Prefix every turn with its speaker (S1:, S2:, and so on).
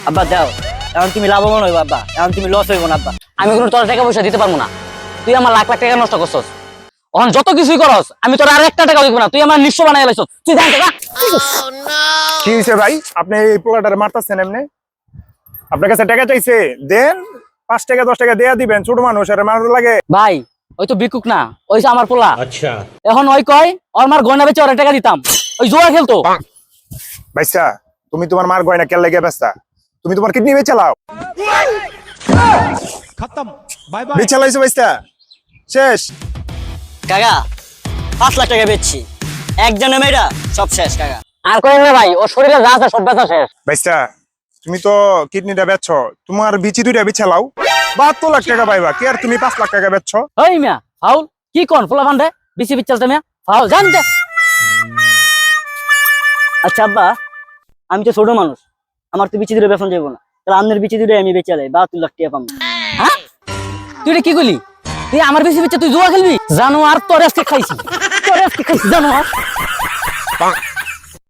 S1: আব্বা দাও, এখন তুমি লাভবান হইবা আব্বা, এখন তুমি লস হইব না আব্বা।
S2: আমি কোনো তোর টাকা পয়সা দিতে পারবো না। তুই আমার লাখ লাখ টাকা নষ্ট করছস। এখন যত কিছুই করস আমি তোর আর একটা টাকা দিব না। তুই আমার নিঃস্ব বানাই লাইছস। তুই জান টাকা।
S3: কি হয়েছে ভাই, আপনি এই পোলাটারে মারতেছেন এমনি? আপনার কাছে টাকা চাইছে, দেন। 5 টাকা 10 টাকা দেয়া দিবেন, ছোট মানুষ আর মারুর লাগে।
S2: ভাই ওই তো বিকুক না, ওই যে আমার পোলা। আচ্ছা এখন ওই কয় ওর মার গয়না বেচে ওর টাকা দিতাম, ওই জুয়া খেলতো।
S3: ভাইসা, তুমি তোমার মার গয়না কেন লাগে ব্যস্তা? তুমি তোমার কিডনি বেচে লাও।
S4: खत्म बाय बाय
S3: বেচে লাইছো ভাইসা, শেষ।
S1: কাকা 5 লাখ টাকা বেচছি, একজনে মেয়েরা সব শেষ কাকা।
S2: আর কই না ভাই, ওর শরীরে যা আছে সব বেচা শেষ।
S3: ভাইসা, তুমি তো কিডনিটা বেচছো, তোমার বিচি দুইটা বেচে লাও, 72 লাখ টাকা পাইবা। কি আর তুমি 5 লাখ টাকা বেচছো?
S2: ওই মিয়া ফাউল কি কোন পোলা ফান্ডে বিসি বিচলতে মিয়া ফাউল জানতে।
S1: আচ্ছা আব্বা, আমি তো ছোট মানুষ, আমার তো বিচি দূরে বেতন যাবো না, তাহলে আপনার বিচি দূরে আমি বেচে লাই 72 লাখ টাকা পাবো।
S2: হ্যাঁ তুই এটা কি কইলি? তুই আমার বেশি বিচে তুই জুয়া খেলবি? জানো আর তোর আজকে খাইছি, তোর আজকে খাইছি জানো আর।